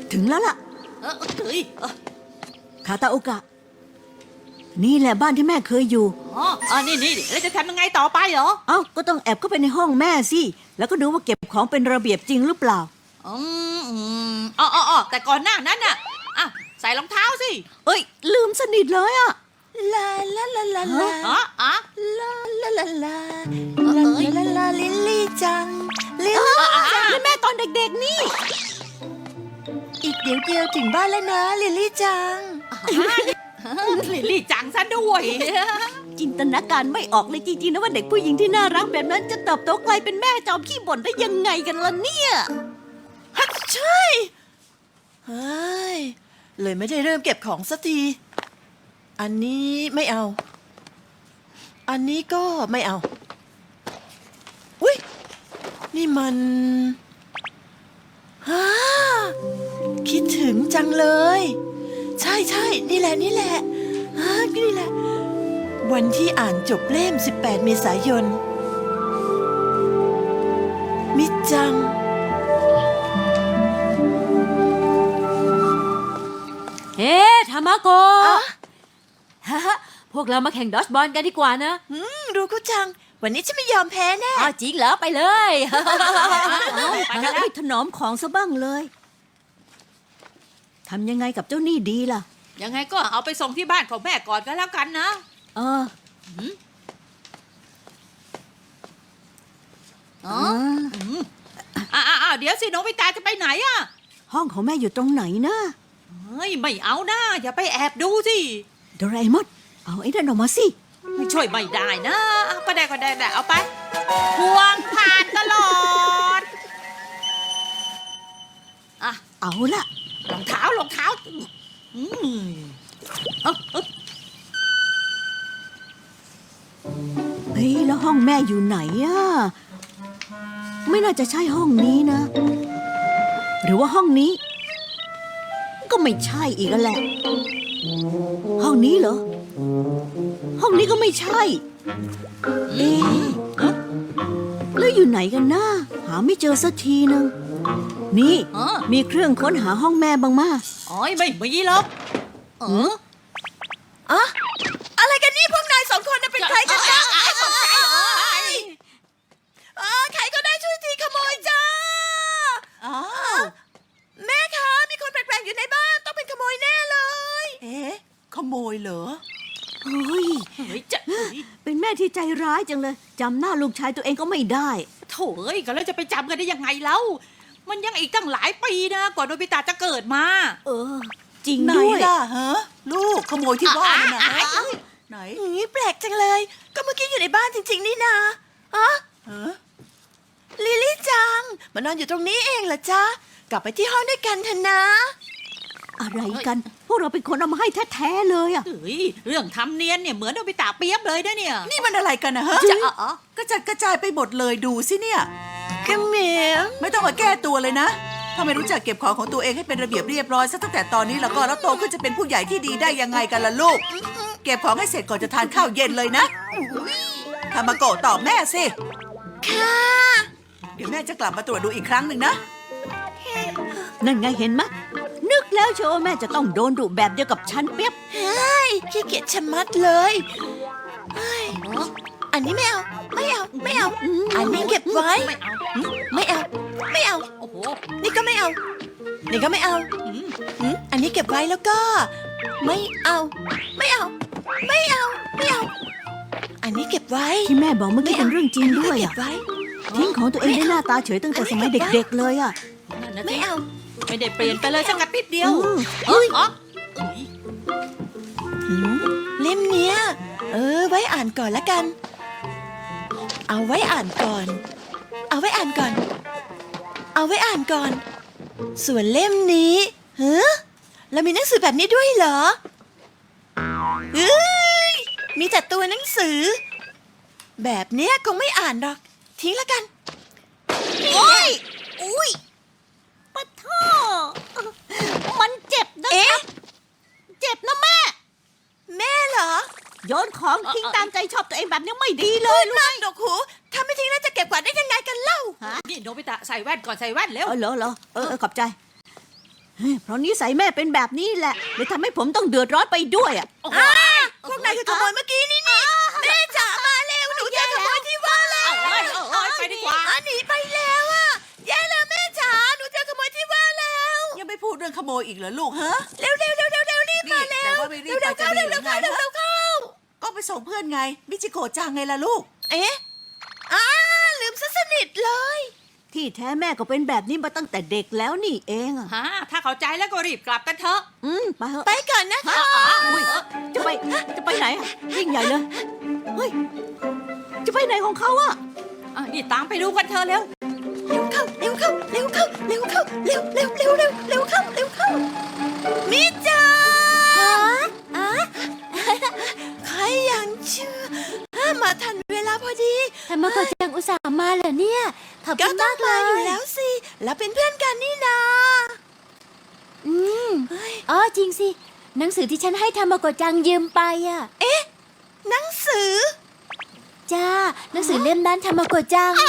ถึงแล้วล่ะเฮ้ยคาตาโอกะ นี่แหละบ้านที่แม่เคยอยู่นี่แล้วจะทำยังไงต่อไปเหรอเอ้าก็ต้องแอบเข้าไปในห้องแม่สิแล้วก็ดูว่าเก็บของเป็นระเบียบจริงหรือเปล่าแต่ก่อนหน้านั้นน่ะใส่รองเท้าสิเอ้ย ลืมสนิทเลยอะลาลาลาลาลาอ๋ออ๋อลาลาลาลาลาลาลาลิลลี่จังลิลลี่จังนี่แม่ตอนเด็กๆนี่อีกเดี๋ยวเดียวถึงบ้านแล้วนะลิลลี่จังลิลลี่จังซะด้วยจินตนาการไม่ออกเลยจริงๆนะว่าเด็กผู้หญิงที่น่ารักแบบนั้นจะเติบโตกลายเป็นแม่จอมขี้บ่นได้ยังไงกันล่ะเนี่ยฮัทใช่เฮ้ยเลยไม่ได้เริ่มเก็บของสักที อันนี้ไม่เอา อันนี้ก็ไม่เอา อุ๊ย นี่มันฮ่าคิดถึงจังเลย ใช่ใช่นี่แหละนี่แหละนี่แหละ วันที่อ่านจบเล่ม 18 เมษายน มิจังเฮ้ทามาโกะพวกเรามาแข่งดอชบอลกันดีกว่านะรู้กูจัง วันนี้ฉันไม่ยอมแพ้แน่อ้าวจริงเหรอไปเลยไปกันแล้วถนอมของซะบ้างเลยทำยังไงกับเจ้านี่ดีล่ะยังไงก็เอาไปส่งที่บ้านของแม่ก่อนก็แล้วกันนะเอออ๋อเดี๋ยวสิโนบิตะจะไปไหนอ่ะห้องของแม่อยู่ตรงไหนนะเฮ้ยไม่เอานะอย่าไปแอบดูสิโดราเอมอนเอาไอ้นั่นออกมาสิไม่ช่วยไม่ได้นะก็ได้เอาไปพวงผ่านตลอดเอาละรองเท้าเอาเฮ้ยแล้วห้องแม่อยู่ไหนอะไม่น่าจะใช่ห้องนี้นะ หรือว่าห้องนี้ ก็ไม่ใช่อีกแล้วแหละ ห้องนี้เหรอ ห้องนี้ก็ไม่ใช่เอ๊ะแล้วอยู่ไหนกันนะหาไม่เจอสักทีนึงนี่มีเครื่องค้นหาห้องแม่บ้างมาอ๋อไม่มีหรอกอะไรกันนี่พวกนายสองคนน่ะเป็นใครกันนะใครก็ได้ช่วยทีขโมยจ้าแม่คะมีคนแปลกๆอยู่ในบ้านต้องเป็นขโมยแน่เลยเอ๊ะขโมยเหรอเฮ้ยจะเป็นแม่ที่ใจร้ายจังเลยจำหน้าลูกชายตัวเองก็ไม่ได้โถ่เอ้ยก็แล้วจะไปจำกันได้ยังไงเล่ามันยังอีกตั้งหลายปีนะกว่าโนบิตะจะเกิดมาเออ จริงไหนด้วยล่ะฮะลูกขโมยที่บ้านนะฮะไหนแปลกจังเลย ก็เมื่อกี้อยู่ในบ้านจริงๆนี่นะลิลลี่จังมานอนอยู่ตรงนี้เองเหรอจ๊ะกลับไปที่ห้องด้วยกันเถอะนะอะไรกัน พวกเราเป็นคนเอามาให้แท้ๆเลยอะเฮ้ยเรื่องทำเนียนเนี่ยเหมือนโนบิตะเปียบเลยนะเนี่ยนี่มันอะไรกันนะฮะจะกระจัดกระจายไปหมดเลยดูสิเนี่ยกระเหมียวไม่ต้องมาแก้ตัวเลยนะถ้าไม่รู้จักเก็บของของตัวเองให้เป็นระเบียบเรียบร้อยซะตั้งแต่ตอนนี้แล้วก็แล้วโตขึ้นจะเป็นผู้ใหญ่ที่ดีได้ยังไงกันล่ะลูก เก็บของให้เสร็จก่อนจะทานข้าวเย็นเลยนะทามาโกะตอบแม่สิค่ะเดี๋ยวแม่จะกลับมาตรวจดูอีกครั้งหนึ่งนะนั่นไงเห็นมะ นึกแล้วเชียวว่าแม่จะต้องโดนดุแบบเดียวกับฉันเปียบเฮ้ยขี้เกียจชะมัดเลยอันนี้ไม่เอาไม่เอาไม่เอาอันนี้เก็บไว้ไม่เอาไม่เอาโอ้โหนี่ก็ไม่เอา นี่ก็ไม่เอาอันนี้เก็บไว้แล้วก็ ไม่เอา ไม่เอา ไม่เอา ไม่เอา อันนี้เก็บไว้ที่แม่บอกเมื่อกี้เป็นเรื่องจริงด้วยเก็อะบไว้ทิ้งของตัวเองได้หน้าตาเฉยตั้งแต่สมัยเด็กๆเลยอะนั่นนะไม่สิเอาไม่ได้เปลี่ยนไปเลยสักนิดเดียวเฮ้ยเล่มเนี้ยไว้อ่านก่อนละกัน เอาไว้อ่านก่อน เอาไว้อ่านก่อน เอาไว้อ่านก่อน ส่วนเล่มนี้แล้วมีหนังสือแบบนี้ด้วยเหรอมีแต่ตัวหนังสือ แบบเนี้ยคงไม่อ่านหรอก ทิ้งละกันโอ้ยอุ้ยปะท่อมันเจ็บนะเอ๊ะเจ็บนะแม่แม่เหรอโยนของทิ้งตามใจชอบตัวเองแบบนี้ไม่ดีเลยนั่งดอกหูถ้าไม่ทิ้งแล้วจะเก็บกวาดได้ยังไงกันเล่านี่โนบิตะใส่แว่นก่อนใส่แว่นเร็วเหรอขอบใจเพราะนิสัยแม่เป็นแบบนี้แหละเลยทำให้ผมต้องเดือดร้อนไปด้วยอ่ะโอ้โหพวกนายคือขโมยเมื่อกี้นี่แม่จ๋ามาเร็วหนูจะขโมยที่ว่าแล้วไปดีกว่าหนีไปแล้วอ่ะแย่แล้วแม่จ๋าหนูจะขโมยที่ว่าแล้วยังไม่พูดเรื่องขโมยอีกเหรอลูกฮะเร็วรีบมาเร็วแต่ว่าไม่รีบไปจะดีหรือไงก็ไปส่งเพื่อนไงมิจิโกะจังไงล่ะลูกเอ๊ะลืมซะสนิทเลยที่แท้แม่ก็เป็นแบบนี้มาตั้งแต่เด็กแล้วนี่เองอ่ะฮะถ้าเข้าใจแล้วก็รีบกลับกันเถอะไปเถอะไปก่อนนะฮะอุ้ยจะไปไหนอะยิ่งใหญ่เลยเฮ้ยจะไปไหนของเขาอะนี่ตามไปดูกันเถอะเร็วเร็วเข้ามิจังใครยังเชื่อมาทันเวลาพอดีธรรมโกจังอุตส่าห์มาเหรอเนี่ยขอบก็คุณต้อมาง กเลมาย อยู่แล้วสิ แล้วเป็นเพื่อนกันนี่นาอืมอ๋อจริงสิ หนังสือที่ฉันให้ธรรมโกจังยืมไปอ่ะหนังสือจ้า หนังสือเล่มนั้นธรรมโกจัง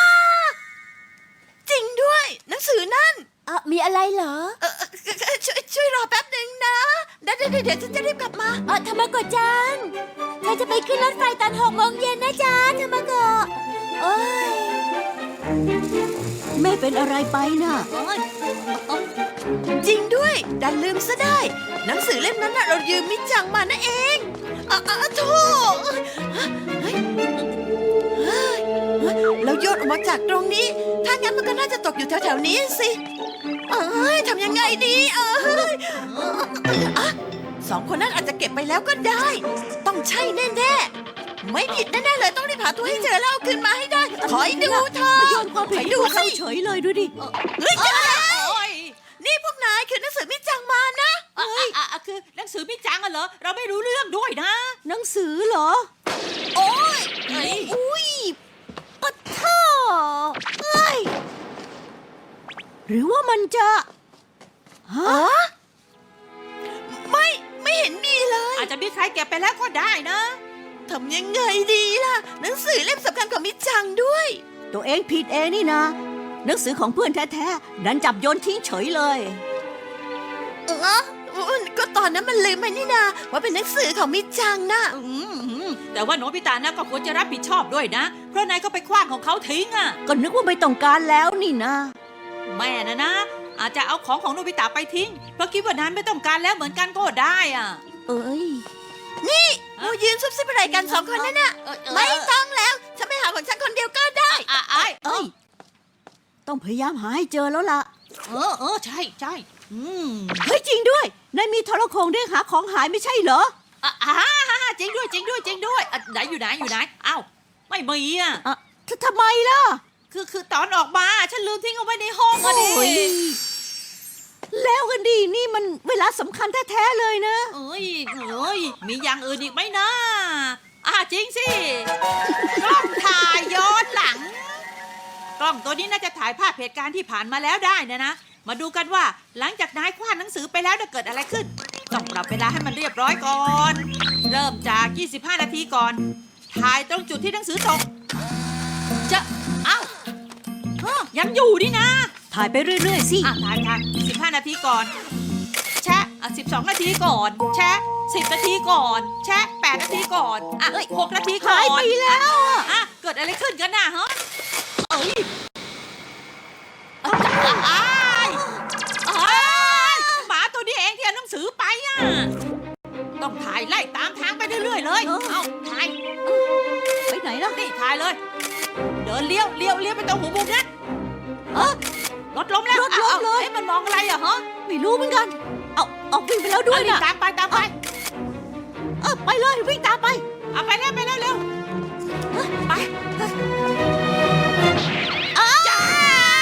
จริงด้วย หนังสือนั่นมีอะไรเหรอช่วยรอแป๊บหนึ่งนะเดี๋ยวฉันจะรีบกลับมาธรรมโกจังฉันจะไปขึ้นรถไฟตอน6 โมงเย็นนะจ๊ะธรรมโกโอ้ยแม่เป็นอะไรไปน่ะจริงด้วย ดันลืมซะได้ หนังสือเล่มนั้นน่ะเรายืมมิจังมานะเองโธ่เฮ้ยเราโยนออกมาจากตรงนี้ ถ้างั้นมันก็น่าจะตกอยู่แถวๆนี้สิทำยังไงดีสองคนนั้นอาจจะเก็บไปแล้วก็ได้ ต้องใช่แน่ๆ ไม่ผิดแน่ๆเลยต้องรีบหาตัวให้เจอแล้วเอาคืนมาให้ได้คอยดูเธอมาโยนความผิดคอยให้ดูพวกสิเราเฉยเลยดูดิเฮ้ยเจอแล้วโอ้ยนี่พวกนายคือหนังสือมิจังมานะคือหนังสือพี่จังอะเหรอ เราไม่รู้เรื่องด้วยนะหนังสือเหรอโอ้ยเฮ้ยอุ้ยปะท่อเอ้ยหรือว่ามันจะฮะไม่เห็นมีเลยอาจจะมีใครเก็บไปแล้วก็ได้นะทำยังไงดีล่ะ หนังสือเล่มสำคัญของมิจังด้วยตัวเองผิดเองนี่นะ หนังสือของเพื่อนแท้ๆดันจับโยนทิ้งเฉยเลยก็ตอนนั้นมันลืมไปนี่นาว่าเป็นหนังสือของมิจังนะแต่ว่าโนบิตะนะก็ควรจะรับผิดชอบด้วยนะ เพราะนายก็ไปคว้างของเขาทิ้งอ่ะก็นึกว่าไม่ต้องการแล้วนี่นะแม่นะอาจจะเอาของโนบิตะไปทิ้ง เพราะคิดว่านายไม่ต้องการแล้วเหมือนกันก็ได้อ่ะเอ้ยเรายืนซุบซิบอะไรกันสองคนนั่นน่ะ ไม่ต้องแล้ว ฉันไปหาของฉันคนเดียวก็ได้เอ้ย ต้องพยายามหาให้เจอแล้วล่ะใช่เฮ้ยจริงด้วย นายมีโทรโขงเรียกหาของหายไม่ใช่เหรอจริงด้วยไหนอยู่ไหนอ้าวไม่มีอ่ะทำไมล่ะคือตอนออกมาฉันลืมทิ้งเอาไว้ในห้องอะดิโอ้ยแล้วกันดีนี่มันเวลาสำคัญแท้ๆเลยนะเอ้ยมีอย่างอื่นอีกไหมนะจริงสิกล้องถ่ายย้อนหลัง กล้องตัวนี้น่าจะถ่ายภาพเหตุการณ์ที่ผ่านมาแล้วได้นะมาดูกันว่าหลังจากนายคว้านหนังสือไปแล้วเกิดอะไรขึ้น ต้องปรับเวลาให้มันเรียบร้อยก่อน เริ่มจาก 25 นาทีก่อน ถ่ายตรงจุดที่หนังสือตกยังอยู่นี่นะถ่ายไปเรื่อยๆสิถ่าย15 นาทีก่อน แชะ12 นาทีก่อน แชะ10 นาทีก่อน แชะ8 นาทีก่อน6 นาทีก่อนหายไปแล้วอะเกิดอะไรขึ้นกันน่ะฮะหมาตัวนี้เองที่เอาหนังสือไปอ่ะต้องถ่ายไล่ตามทางไปเรื่อยๆเลยเอาถ่ายไปไหนล่ะนี่ถ่ายเลย เดินเลี้ยวไปตรงหัวมุมนั้นรถล้มแล้วรถล้มเลยมันมองอะไรอ่ะฮะไม่รู้เหมือนกัน เอาวิ่งไปแล้วด้วยนี่นะตามไปไปเลยวิ่งตามไปเอาไปเร็วไปจ้า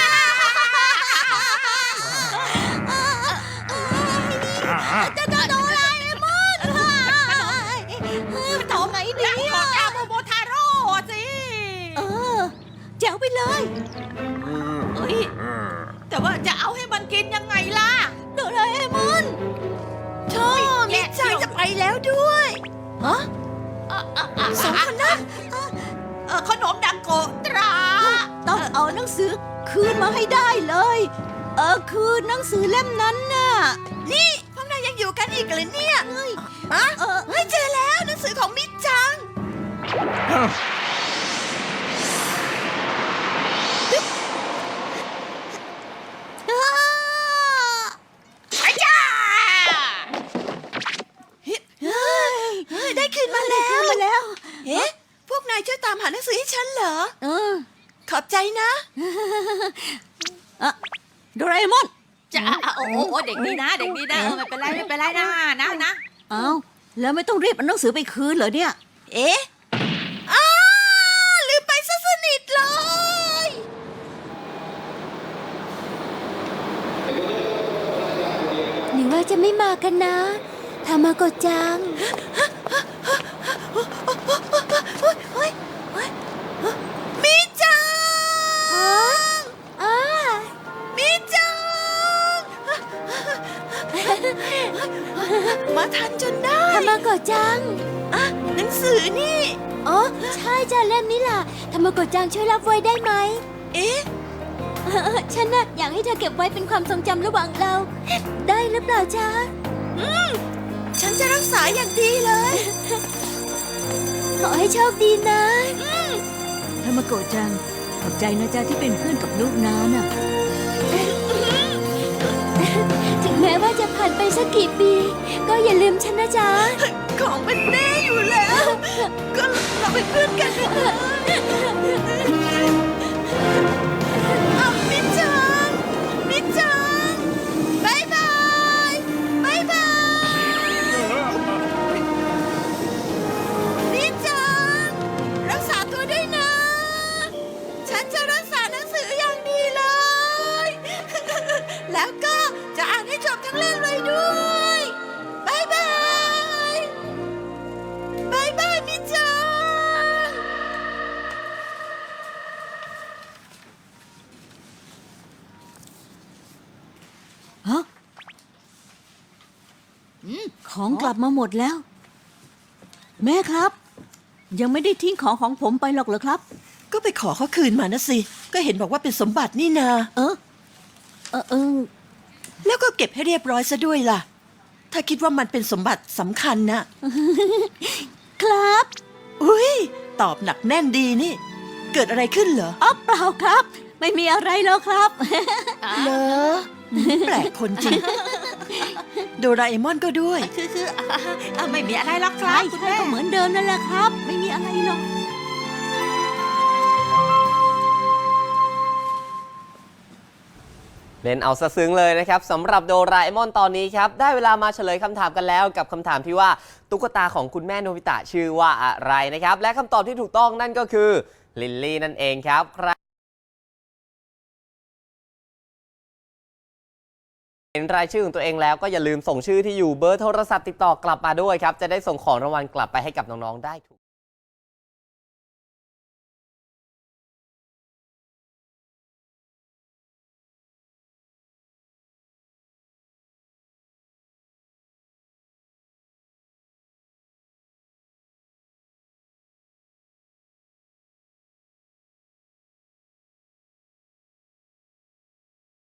จะโดนอะไรมดทำไงดีบอกอาโมโมทาโร่สิแจ๋วไปเลยเฮ้ยแต่ว่าจะเอาให้มันกินยังไงล่ะโดราเอมอนมิจังจะไปแล้วด้วยสองคนนั้นขนมดังโกตราต้องเอาหนังสือคืนมาให้ได้เลยคือหนังสือเล่มนั้นน่ะนี่พวกนายยังอยู่กันอีกเลยเนี่ยเฮ้ยเจอแล้วหนังสือของมิดจังไอ้จ้าได้คืนมาแล้วมาแล้วเอ๊ะ พวกนายช่วยตามหาหนังสือให้ฉันเหรอ ขอบใจนะโดราเอมอนจ้าโอ้โหเด็กดีนะเด็กดีนะไม่เป็นไรไม่เป็นไรนะเอาแล้วไม่ต้องรีบเอาหนังสือไปคืนเหรอเนี่ยเอ๊ะลืมไปซะสนิทเลยหรือว่าจะไม่มากันนะทามาโกะจังมิจังอ้ามิจัง มาทันจนได้ทามาโกะจังหนังสือนี่อ๋อ ใช่จ้ะเล่มนี้ล่ะทามาโกะจังช่วยรับไว้ได้ไหมเอ๊ะฉันน่ะอยากให้เธอเก็บไว้เป็นความทรงจำระหว่างเรา ได้หรือเปล่าจ๊ะฉันจะรักษาอย่างดีเลยขอให้โชคดีนะธรรมโกะจัง ขอบใจนะจ๊ะที่เป็นเพื่อนกับลูกน้าน่ะถึงแม้ว่าจะผ่านไปสักกี่ปี ก็อย่าลืมฉันนะจ๊ะของเป็นแม่อยู่แล้ว ก็เราเป็นเพื่อนกันนะมิจัง มิจังบายบายบายบายมิจัง รักษาตัวด้วยนะ ฉันจะรักษาหนังสืออย่างดีเลย แล้วก็จะอ่านให้จบทั้งเล่มเลยด้วยบายบายบายบายมิจังฮะของกลับมาหมดแล้ว แม่ครับ ยังไม่ได้ทิ้งของของผมไปหรอกเหรอครับก็ไปขอเขาคืนมานะสิ ก็เห็นบอกว่าเป็นสมบัตินี่นาเออแล้วก็เก็บให้เรียบร้อยซะด้วยล่ะ ถ้าคิดว่ามันเป็นสมบัติสำคัญนะครับอุ้ยตอบหนักแน่นดีนี่ เกิดอะไรขึ้นเหรออ๋อเปล่าครับ ไม่มีอะไรแล้วครับเหรอแปลกคนจริง โดราเอมอนก็ด้วยคือไม่มีอะไรหรอกครัใช่บคุณใช่แม่ก็เหมือนเดิมนั่นแหละครับ ไม่มีอะไรหรอกเล่นเอาซะซึ้งเลยนะครับสำหรับโดราเอมอนตอนนี้ครับได้เวลามาเฉลยคำถามกันแล้วกับคำถามที่ว่าตุ๊กตาของคุณแม่โนบิตะชื่อว่าอะไรนะครับและคำตอบที่ถูกต้องนั่นก็คือลิลลี่นั่นเองครับใครเห็นรายชื่อของตัวเองแล้วก็อย่าลืมส่งชื่อที่อยู่เบอร์โทรศัพท์ติดต่อกลับมาด้วยครับจะได้ส่งของรางวัลกลับไปให้กับน้องๆได้ถูก